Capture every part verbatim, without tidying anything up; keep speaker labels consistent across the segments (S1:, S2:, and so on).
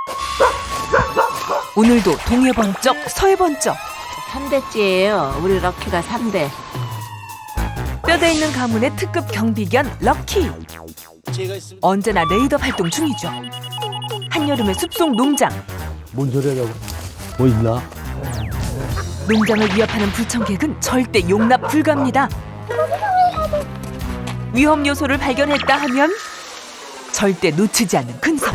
S1: 오늘도 동해 번쩍 서해 번쩍.
S2: 삼 대째예요. 우리 럭키가 삼 대.
S1: 뼈대 있는 가문의 특급 경비견 럭키. 언제나 레이더 활동 중이죠. 한여름의 숲속 농장.
S3: 뭔 소리야, 뭐 있나?
S1: 농장을 위협하는 불청객은 절대 용납 불가입니다. 위험 요소를 발견했다 하면 절대 놓치지 않는 근성.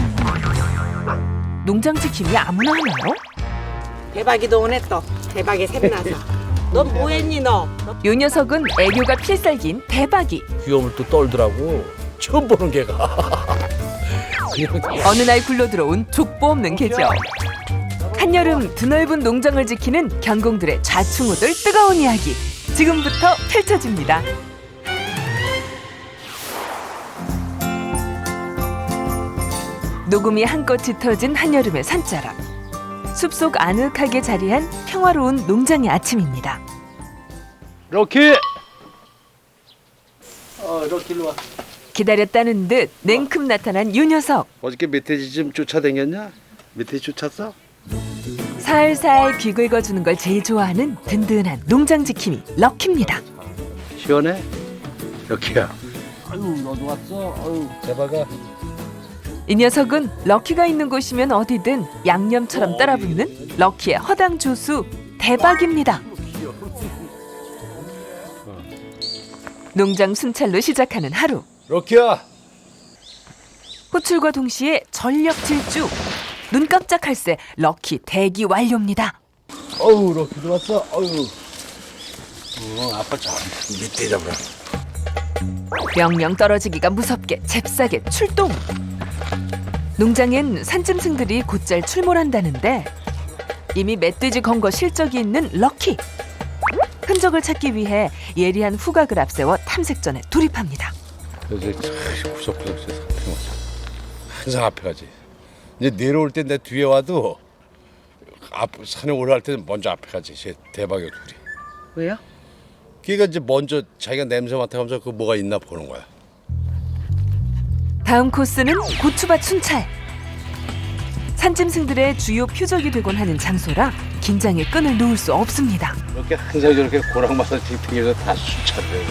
S1: 농장 지킴이 아무나 하나요?
S2: 대박이도 오네 또. 대박이 샘나서. 넌 뭐했니 너?
S1: 요 녀석은 애교가 필살기인 대박이.
S3: 귀여움을 또 떨더라고. 처음 보는 개가.
S1: 어느 날 굴러들어온 족보 없는 개죠. 한여름 드넓은 농장을 지키는 경공들의 좌충우돌 뜨거운 이야기 지금부터 펼쳐집니다. 녹음이 한껏 짙어진 한여름의 산자락. 숲속 아늑하게 자리한 평화로운 농장의 아침입니다.
S3: 럭키! 어, 럭키로 와.
S1: 기다렸다는 듯 냉큼 나타난 요 녀석.
S3: 어저께 멧돼지 좀 쫓아다녔냐? 멧돼지 쫓았어?
S1: 살살 귀 긁어주는 걸 제일 좋아하는 든든한 농장 지킴이 럭키입니다.
S3: 시원해? 럭키야. 아유, 너도 왔어? 아유, 대박아.
S1: 이 녀석은 럭키가 있는 곳이면 어디든 양념처럼 따라붙는 럭키의 허당 조수 대박입니다. 농장 순찰로 시작하는 하루.
S3: 럭키야!
S1: 호출과 동시에 전력 질주. 눈 깜짝할 새 럭키 대기 완료입니다.
S3: 어우, 럭키도 왔어? 어우. 어, 아빠 저 밑에 잡으라.
S1: 명령 떨어지기가 무섭게 잽싸게 출동. 농장엔 산짐승들이 곧잘 출몰한다는데 이미 멧돼지 검거 실적이 있는 럭키. 흔적을 찾기 위해 예리한 후각을 앞세워 탐색전에 돌입합니다.
S3: 이제 구석구석 앞에 가자. 항상 앞에 가지. 이제 내려올 때 내 뒤에 와도 앞 산에 올라갈 때는 먼저 앞에 가지. 쟤 대박이야 둘이.
S2: 왜요?
S3: 걔가 이제 먼저 자기가 냄새 맡아가면서 그 뭐가 있나 보는 거야.
S1: 다음 코스는 고추밭 순찰. 산짐승들의 주요 표적이 되곤 하는 장소라 긴장의 끈을 놓을 수 없습니다.
S3: 이렇게 항상 저렇게 고랑마사 뒷평에서 다 수차를 해.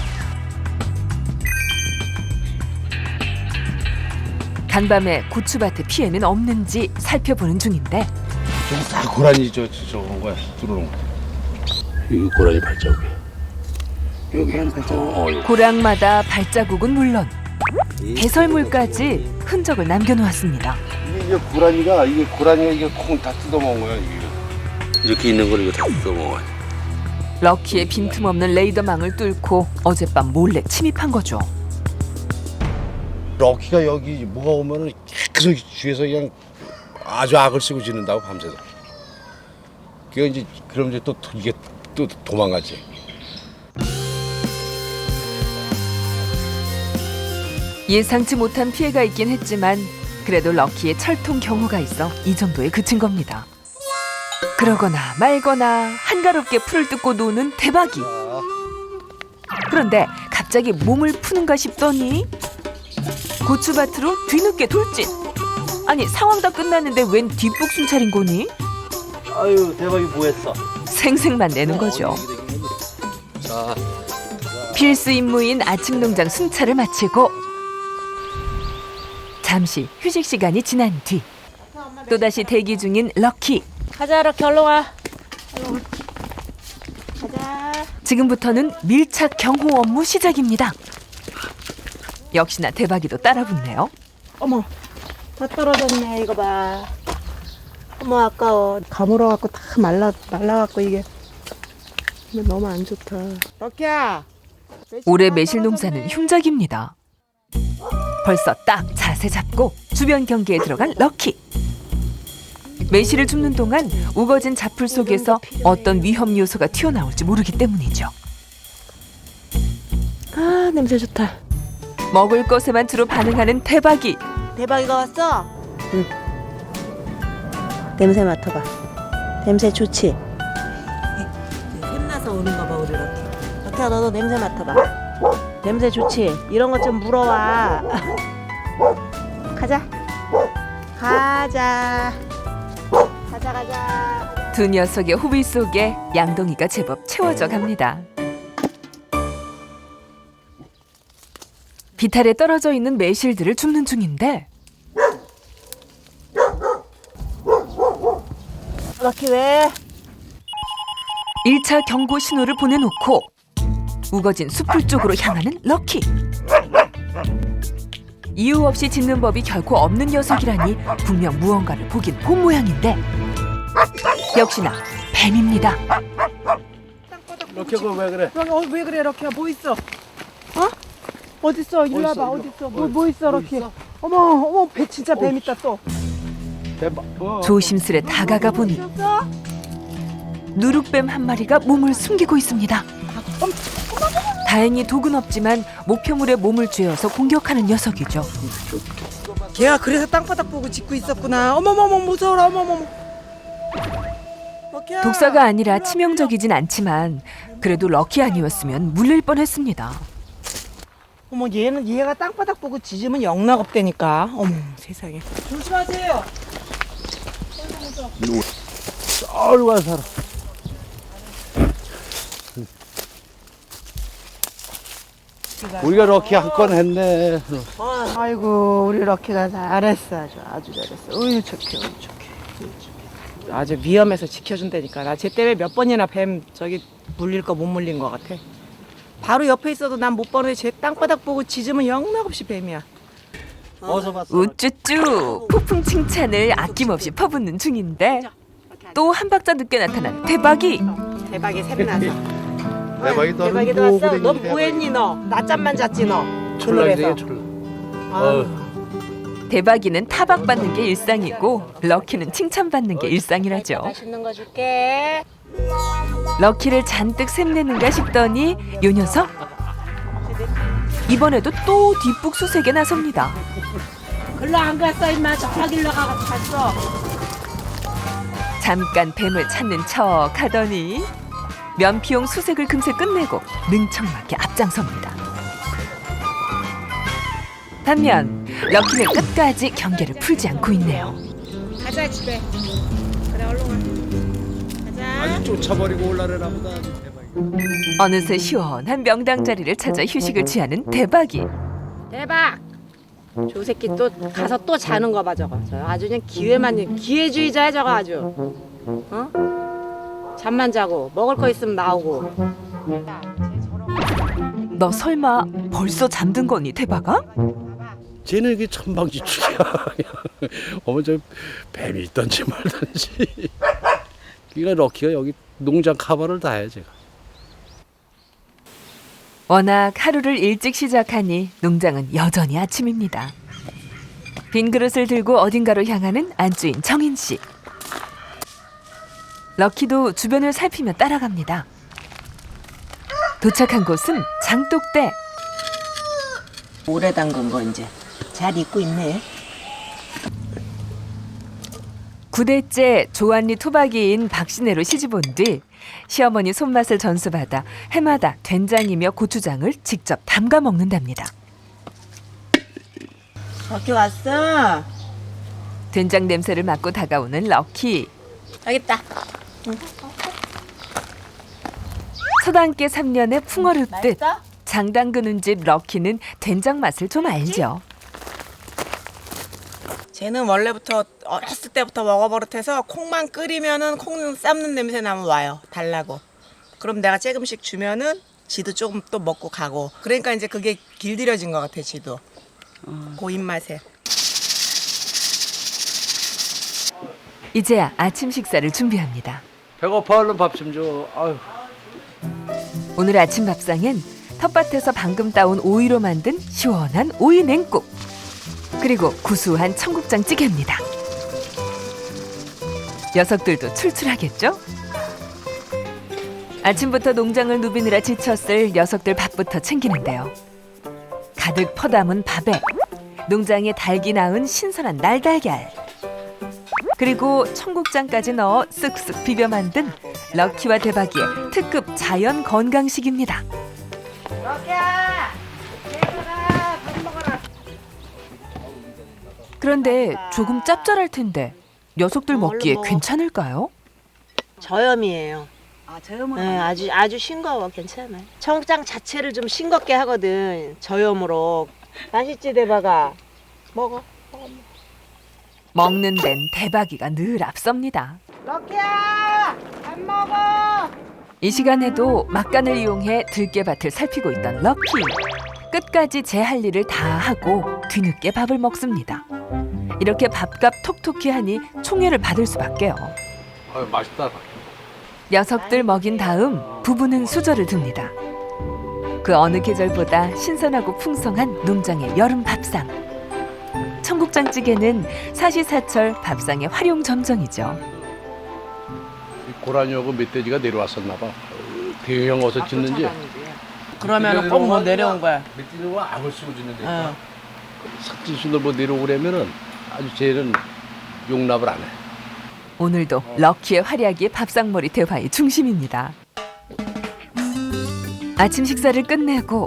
S1: 간밤에 고추밭에 피해는 없는지 살펴보는 중인데
S3: 저거 다 고라니 저 저런 거야. 들어오는 거. 이게 고라니 발자국이야. 여기 발자국. 어, 어,
S1: 고랑마다 발자국은 물론 배설물까지 흔적을 남겨놓았습니다.
S3: 이게 이제 고라니가 이게 고라니가 이게 콩 다 뜯어먹은 거야. 이게 이렇게 있는 걸 이거 다 뜯어먹어.
S1: 럭키의 빈틈없는 레이더망을 뚫고 어젯밤 몰래 침입한 거죠.
S3: 럭키가 여기 뭐가 오면은 계속 주위에서 그냥 아주 악을 쓰고 지낸다고 밤새도록. 그게 이제 그럼 이제 또 이게 또 도망가지.
S1: 예상치 못한 피해가 있긴 했지만 그래도 럭키의 철통 경호가 있어 이 정도에 그친 겁니다. 그러거나 말거나 한가롭게 풀을 뜯고 노는 대박이. 그런데 갑자기 몸을 푸는가 싶더니 고추밭으로 뒤늦게 돌진. 아니 상황 다 끝났는데 웬 뒷북 순찰인 거니?
S3: 아유 대박이 뭐했어?
S1: 생색만 내는 거죠.
S3: 자,
S1: 필수 임무인 아침 농장 순찰을 마치고 잠시 휴식 시간이 지난 뒤 또다시 대기 중인 럭키.
S2: 가자 럭키 얼른 와. 가자.
S1: 지금부터는 밀착 경호 업무 시작입니다. 역시나 대박이도 따라붙네요.
S2: 어머, 다 떨어졌네 이거 봐. 어머 아까워. 가물어갖고 다 말라 말라갖고 이게 이거 너무 안 좋다. 럭키야.
S1: 올해 매실 농사는 흉작입니다. 벌써 딱 자세 잡고 주변 경계에 들어간 럭키. 매실을 줍는 동안 우거진 잡풀 속에서 어떤 위험 요소가 튀어나올지 모르기 때문이죠.
S2: 아 냄새 좋다.
S1: 먹을 것에만 주로 반응하는 대박이.
S2: 대박이가 왔어? 응. 냄새 맡아봐. 냄새 좋지? 샘나서 오는 거 봐 우리 럭키. 럭키야 너도 냄새 맡아봐. 냄새 좋지? 이런 것 좀 물어와. 가자. 가자. 가자 가자.
S1: 두 녀석의 호비 속에 양동이가 제법 채워져 갑니다. 비탈에 떨어져 있는 매실들을 줍는 중인데
S2: 럭키 왜?
S1: 일 차 경고 신호를 보내놓고 우거진 숲풀 쪽으로 향하는 럭키. 이유 없이 짖는 법이 결코 없는 녀석이라니 분명 무언가를 보긴 본 모양인데 역시나 뱀입니다.
S3: 럭키가 왜 그래?
S2: 어, 왜 그래 럭키야? 뭐 있어? 어? 어딨어? 이리
S3: 뭐
S2: 와봐.
S3: 있어?
S2: 어딨어? 뭐, 뭐 있어 럭키? 어머 어머 배 진짜 뱀 있다 또.
S3: 대박. 어.
S1: 조심스레 다가가 보니
S2: 있었어?
S1: 누룩뱀 한 마리가 몸을 숨기고 있습니다. 다행히 독은 없지만 목표물에 몸을 쥐어서 공격하는 녀석이죠.
S2: 걔가 그래서 땅바닥 보고 짖고 있었구나. 어머머머 무서워라. 어머머머. 럭키야.
S1: 독사가 아니라 치명적이진 않지만 그래도 럭키 아니었으면 물릴 뻔했습니다.
S2: 어머 얘는 얘가 땅바닥 보고 짖으면 영락 없다니까. 어머 세상에. 조심하세요.
S3: 썰 가 살아. 우리가 럭키 한 건 했네.
S2: 어, 아이고 우리 럭키가 잘했어. 아주 아주 잘했어. 어유 착해. 어유 착해. 어유 착해. 아주 위험해서 지켜준다니까. 나 쟤 때문에 몇 번이나 뱀 저기 물릴 거 못 물린 거 같아. 바로 옆에 있어도 난 못 보는데 쟤 땅바닥 보고 짖으면 영락없이 뱀이야.
S3: 어서 봤어.
S1: 우쭈쭈 폭풍 칭찬을 아낌없이 퍼붓는 중인데 또 한 박자 늦게 나타난 대박이.
S2: 대박이 샘나서.
S3: 대박이 너는
S2: 대박이도
S3: 뭐
S2: 왔어.
S3: 그래,
S2: 너
S3: 대박이.
S2: 뭐했니 너? 낮잠만 잤지 너.
S3: 촐랑이네
S2: 졸업해서.
S3: 촐랑.
S2: 아,
S1: 대박이는 타박받는 게 일상이고 럭키는 칭찬받는 게 일상이라죠.
S2: 맛있는 거 줄게.
S1: 럭키를 잔뜩 샘내는가 싶더니 요 녀석 이번에도 또 뒷북 수색에 나섭니다.
S2: 글로 안 갔어 임마. 저 길로 가서 갔어.
S1: 잠깐 뱀을 찾는 척 하더니 면피용 수색을 금세 끝내고 능청맞게 앞장섭니다. 반면 럭키는 끝까지 경계를 풀지 않고 있네요.
S2: 가자 집에. 그래 얼른 가. 가자.
S3: 아주 쫓아버리고 올라래나 보다. 대박이.
S1: 어느새 시원한 명당 자리를 찾아 휴식을 취하는 대박이.
S2: 대박. 저 새끼 또 가서 또 자는 거 봐 저거. 저 아주 그냥 기회만 기회주의자야 저거 아주. 어? 잠만 자고 먹을 거 있으면 나오고.
S1: 너 설마 벌써 잠든 거니 대박아?
S3: 쟤는 이게 천방지축이야. 어머 저 뱀이 있던지 말던지. 그러니까 럭키가 여기 농장 카바를 다 해 제가.
S1: 워낙 하루를 일찍 시작하니 농장은 여전히 아침입니다. 빈 그릇을 들고 어딘가로 향하는 안주인 정인 씨. 럭키도 주변을 살피며 따라갑니다. 도착한 곳은 장독대.
S2: 오래 담근 거 이제 잘 익고 있네.
S1: 구 대째 조안리 토박이인 박신혜로 시집온 뒤 시어머니 손맛을 전수받아 해마다 된장이며 고추장을 직접 담가 먹는답니다.
S2: 럭키 왔어.
S1: 된장 냄새를 맡고 다가오는 럭키.
S2: 여기 있다.
S1: 서당계 삼 년의 풍어를 듯
S2: 맛있어?
S1: 장 담그는 집 럭키는 된장 맛을 좀 알죠.
S2: 쟤는 원래부터 어렸을 때부터 먹어버릇해서 콩만 끓이면은 콩 삶는 냄새 나면 와요. 달라고. 그럼 내가 조금씩 주면은 지도 조금 또 먹고 가고. 그러니까 이제 그게 길들여진 것 같아 지도. 그 입맛에.
S1: 이제야 아침 식사를 준비합니다.
S3: 배고파 얼른 밥 좀 줘. 아유.
S1: 오늘 아침 밥상엔 텃밭에서 방금 따온 오이로 만든 시원한 오이 냉국, 그리고 구수한 청국장 찌개입니다. 녀석들도 출출하겠죠? 아침부터 농장을 누비느라 지쳤을 녀석들 밥부터 챙기는데요. 가득 퍼담은 밥에 농장에 달기 낳은 신선한 날달걀, 그리고 청국장까지 넣어 쓱쓱 비벼 만든 럭키와 대박이의 특급 자연 건강식입니다.
S2: 럭키야! 얘들아 밥 먹어라.
S1: 그런데 조금 짭짤할 텐데 녀석들 먹기에
S4: 먹어.
S1: 괜찮을까요?
S4: 저염이에요.
S5: 아, 저염은
S4: 네, 아주 아주 싱거워. 괜찮아요. 청국장 자체를 좀 싱겁게 하거든. 저염으로. 맛있지 대박아. 먹어.
S1: 먹는 데는 대박이가 늘 앞섭니다.
S4: 럭키야, 밥 먹어.
S1: 이 시간에도 막간을 이용해 들깨밭을 살피고 있던 럭키. 끝까지 제 할 일을 다 하고 뒤늦게 밥을 먹습니다. 이렇게 밥값 톡톡히 하니 총애를 받을 수밖에요.
S3: 아, 맛있다.
S1: 녀석들 먹인 다음 부부는 수저를 듭니다. 그 어느 계절보다 신선하고 풍성한 농장의 여름 밥상. 청국장찌개는 사시사철 밥상의 활용점정이죠.
S3: 고라니하고 멧돼지가 내려왔었나 봐. 대형 어서 짖는지.
S2: 그러면 꼭 뭐 내려온 거야.
S3: 멧돼지는 악을 쓰고 짖는데.
S2: 응.
S3: 삭진순을 뭐 내려오려면은 아주 쟤는 용납을 안 해.
S1: 오늘도 럭키의 활약이 밥상머리 대화의 중심입니다. 아침 식사를 끝내고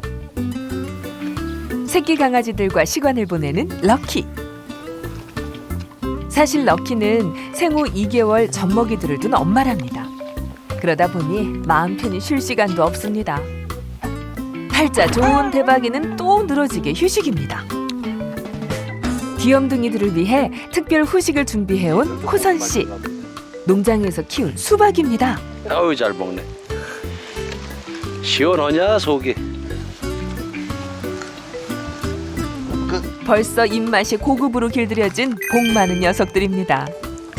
S1: 새끼 강아지들과 시간을 보내는 럭키. 사실 럭키는 생후 이 개월 젖먹이들을 둔 엄마랍니다. 그러다 보니 마음 편히 쉴 시간도 없습니다. 팔자 좋은 대박이는 또 늘어지게 휴식입니다. 귀염둥이들을 위해 특별 후식을 준비해온 호선 씨. 농장에서 키운 수박입니다.
S6: 아유 잘 먹네. 시원하냐 속이.
S1: 벌써 입맛이 고급으로 길들여진 복 많은 녀석들입니다.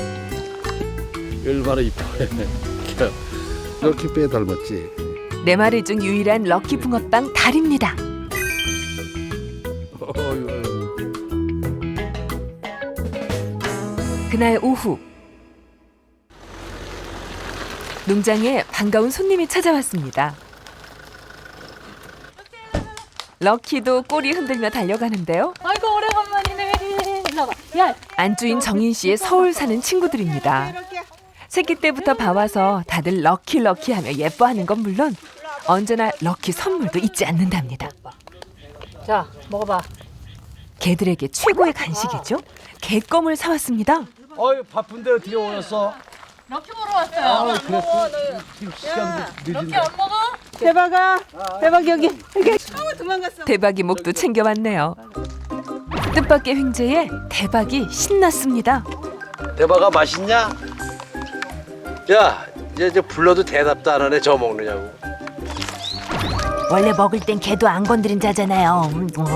S3: 얼마나 이뻐해.
S7: 럭키 빼 닮았지?
S1: 네 마리 중 유일한 럭키 붕어빵 달입니다. 그날 오후 농장에 반가운 손님이 찾아왔습니다. 럭키도 꼬리 흔들며 달려가는데요.
S5: 아이고 오래간만이네. 일로 와봐. 야,
S1: 안주인 정인 씨의 서울 사는 친구들입니다. 새끼 때부터 봐와서 다들 럭키 럭키 하며 예뻐하는 건 물론 언제나 럭키 선물도 잊지 않는답니다.
S5: 자 먹어봐.
S1: 개들에게 최고의 간식이죠. 개껌을 사왔습니다.
S6: 어이 바쁜데 어떻게 오셨어?
S5: 럭키 보러 왔어요. 럭키 안 먹어?
S4: 대박아, 대박 여기.
S1: 대박이 목도 챙겨왔네요. 뜻밖의 횡재에 대박이 신났습니다.
S6: 대박아 맛있냐? 야 이제, 이제 불러도 대답도 안 하네. 저 먹느냐고.
S1: 원래 먹을 땐 개도 안 건드린 자잖아요.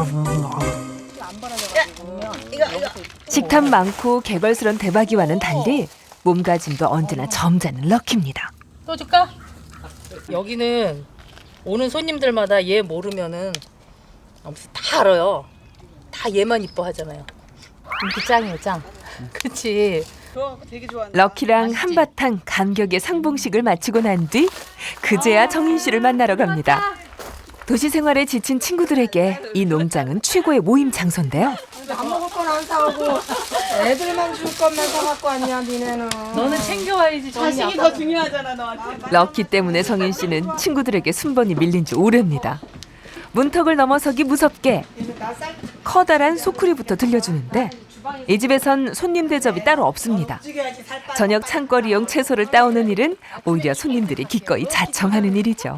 S1: 식탐 많고 개걸스런 대박이와는 달리 몸가짐도 언제나 점잖은 럭키입니다.
S5: 또 줄까? 여기는 오는 손님들마다 얘 모르면은 아무튼 다 알아요. 다 얘만 이뻐하잖아요. 인기 짱이에요 짱. 그치?
S1: 럭키랑 한바탕 감격의 상봉식을 마치고 난 뒤 그제야 정인 씨를 만나러 갑니다. 도시 생활에 지친 친구들에게 이 농장은 최고의 모임 장소인데요.
S2: 안 먹을 건 안 사오고 애들만 줄 것만 사갖고 왔냐 니네는.
S5: 너는 챙겨와야지.
S2: 자식이 더 중요하잖아 너한테.
S1: 럭키 때문에 정인 씨는 친구들에게 순번이 밀린 지 오래입니다. 문턱을 넘어서기 무섭게 커다란 소쿠리부터 들려주는데 이 집에선 손님 대접이 따로 없습니다. 저녁 창거리용 채소를 따오는 일은 오히려 손님들이 기꺼이 자청하는 일이죠.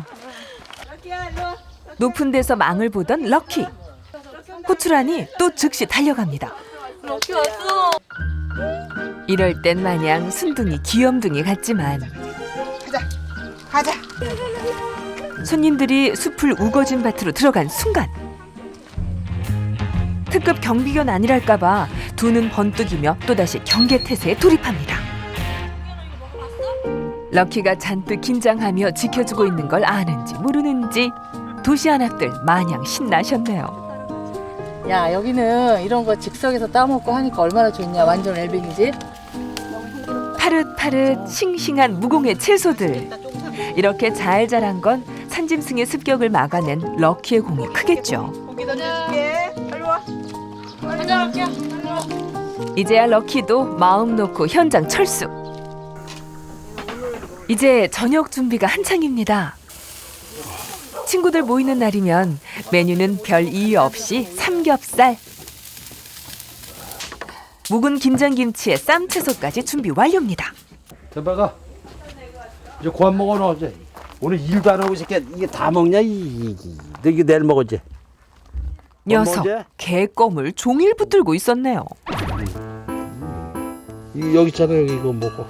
S1: 높은 데서 망을 보던 럭키. 호출하니 또 즉시 달려갑니다.
S5: 럭키 왔어.
S1: 이럴 땐 마냥 순둥이 귀염둥이 같지만
S2: 가자.
S1: 손님들이 숲을 우거진 밭으로 들어간 순간 특급 경비견 아니랄까봐 두 눈 번뜩이며 또다시 경계태세에 돌입합니다. 럭키가 잔뜩 긴장하며 지켜주고 있는 걸 아는지 모르는지 도시 한합들 마냥 신나셨네요.
S5: 야 여기는 이런 거 즉석에서 따먹고 하니까 얼마나 좋냐. 완전 엘빙이지?
S1: 파릇파릇 싱싱한 무공의 채소들. 이렇게 잘 자란 건 산짐승의 습격을 막아낸 럭키의 공이 크겠죠.
S2: 고기 던져줄게. 빨리 와.
S5: 가자 럭키야.
S1: 이제야 럭키도 마음 놓고 현장 철수. 이제 저녁 준비가 한창입니다. 친구들 모이는 날이면 메뉴는 별 이유 없이 삼겹살. 묵은 김장김치에 쌈채소까지 준비 완료입니다.
S6: 대박아. 이제 고안 먹어 너 이제. 오늘 일도 안 하고 이렇게 이게 다 먹냐 이. 너 이거 내일 먹었지?
S1: 녀석
S6: 언제?
S1: 개껌을 종일 붙들고 있었네요.
S6: 이 여기 있잖아 여기 이거 먹고.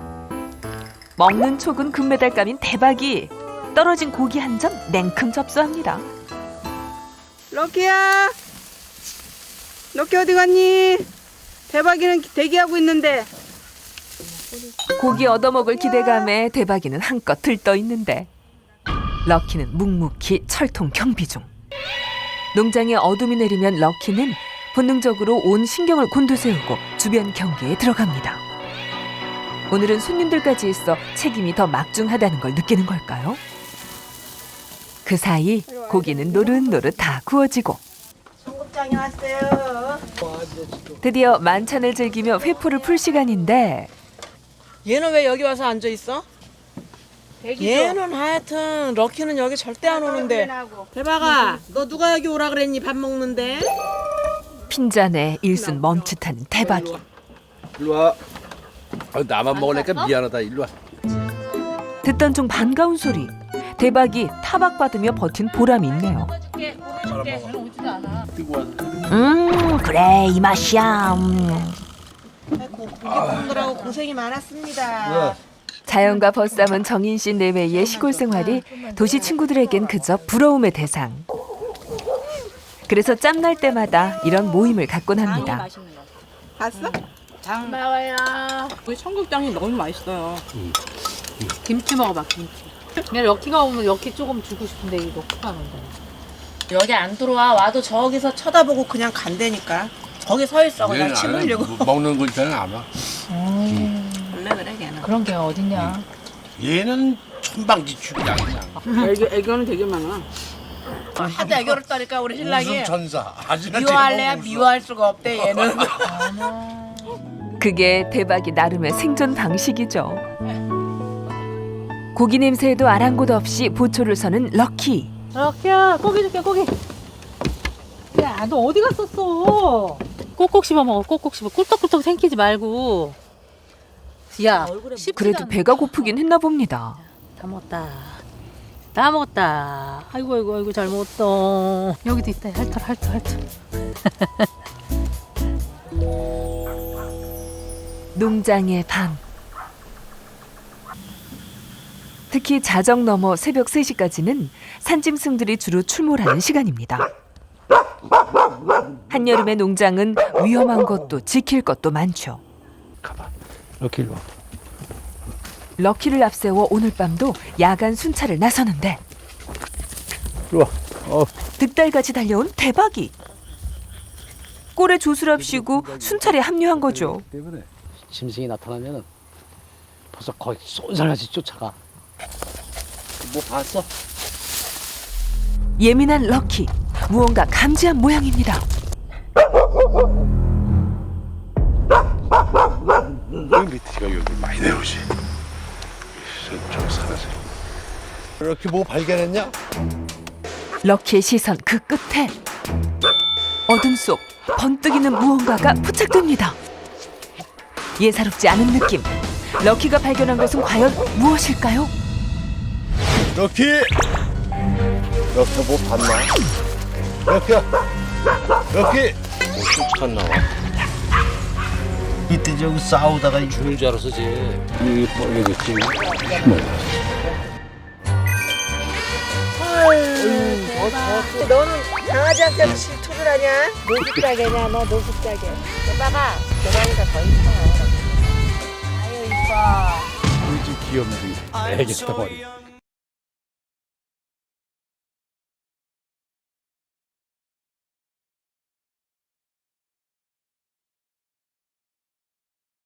S1: 먹는 촉은 금메달감인 대박이 떨어진 고기 한 점 냉큼 접수합니다.
S2: 럭키야, 럭키 어디 갔니? 대박이는 대기하고 있는데.
S1: 고기 얻어먹을 기대감에 대박이는 한껏 들떠 있는데 럭키는 묵묵히 철통 경비 중. 농장에 어둠이 내리면 럭키는 본능적으로 온 신경을 곤두세우고 주변 경계에 들어갑니다. 오늘은 손님들까지 있어 책임이 더 막중하다는 걸 느끼는 걸까요? 그 사이 고기는 노릇노릇 다 구워지고
S4: 청국장이 왔어요.
S1: 드디어 만찬을 즐기며 회포를 풀 시간인데
S2: 얘는 왜 여기 와서 앉아 있어? 얘는 하여튼 럭키는 여기 절대 안 오는데. 대박아, 너 누가 여기 오라 그랬니? 밥 먹는데?
S1: 핀잔에 일순 멈칫하는 대박이.
S6: 일로 와. 아, 나만 먹으니까 미안하다. 일로 와.
S1: 듣던 중 반가운 소리. 대박이 타박받으며 버틴 보람이 있네요.
S5: 오지도 않아.
S1: 음 그래 이 맛이야. 음.
S4: 고기 먹느라고 고생이 많았습니다.
S1: 자연과 벗삼은 정인 씨 내외의 시골 생활이 도시 친구들에겐 그저 부러움의 대상. 그래서 짬날 때마다 이런 모임을 갖곤 합니다.
S2: 봤어?
S5: 장 나와요.
S2: 우리 청국장이 너무 맛있어요.
S5: 김치 먹어봐 김치. 그냥 럭키가 오면 럭키 조금 주고 싶은데 이거 럭키가 안 온다.
S4: 여기 안 들어와. 와도 저기서 쳐다보고 그냥 간다니까. 거기 서 있어. 그냥 침 흘리고.
S3: 먹는 거 있잖아 아마.
S4: 원래 그래 걔는.
S5: 그런 게 어딨냐.
S3: 얘는 천방지축이야 그냥.
S2: 애교, 애교는 되게 많아.
S4: 하도 애교를 떠니까 우리 신랑이
S3: 무슨 천사. 아직은
S4: 미워할래야 미워할 수가 없대 얘는.
S1: 그게 대박이 나름의 생존 방식이죠. 고기 냄새에도 아랑곳 없이 보초를 서는 럭키.
S5: 럭키야 고기 줄게 고기. 야 너 어디 갔었어? 꼭꼭 씹어 먹어 꼭꼭 씹어 꿀떡꿀떡 생기지 말고. 야 씹지도
S1: 그래도
S5: 않는
S1: 배가 고프긴 했나 봅니다.
S5: 다 먹었다. 다 먹었다. 아이고 아이고 아이고 잘 먹었다. 여기도 있다. 핥털 핥털 핥털.
S1: 농장의 밤. 특히 자정 넘어 새벽 세 시까지는 산짐승들이 주로 출몰하는 시간입니다. 한여름의 농장은 위험한 것도 지킬 것도 많죠.
S6: 가봐. 이렇게 일로 와.
S1: 럭키를 앞세워 오늘 밤도 야간 순찰을 나서는데
S6: 일로 와. 어.
S1: 득달같이 달려온 대박이. 꼴에 조스랍시고 순찰에 합류한 거죠.
S6: 때문에 짐승이 나타나면은 벌써 거의 쏜살같이 쫓아가. 뭐 봤어?
S1: 예민한 럭키. 무언가 감지한 모양입니다.
S3: 여기 밑에가 여기 많이 내려오지. 저 산에서. 이렇게 뭐 발견했냐?
S1: 럭키의 시선 그 끝에 어둠 속 번뜩이는 무언가가 포착됩니다. 예사롭지 않은 느낌. 럭키가 발견한 것은 과연 무엇일까요?
S3: 럭키! 럭키 뭐 봤나? 럭키야! 럭키! 뭐 쫓아갔나 봐. 이때 저기 싸우다가 죽는 줄 알았어 쟤. 여기 뻘개졌지.
S4: 너는 강아지한테 질투를 하냐? 노숙자개냐 너 노숙자개. 대박아 대박이가 더 이뻐. 아유 이뻐.
S3: 좀 귀엽네. 애기 덩어리.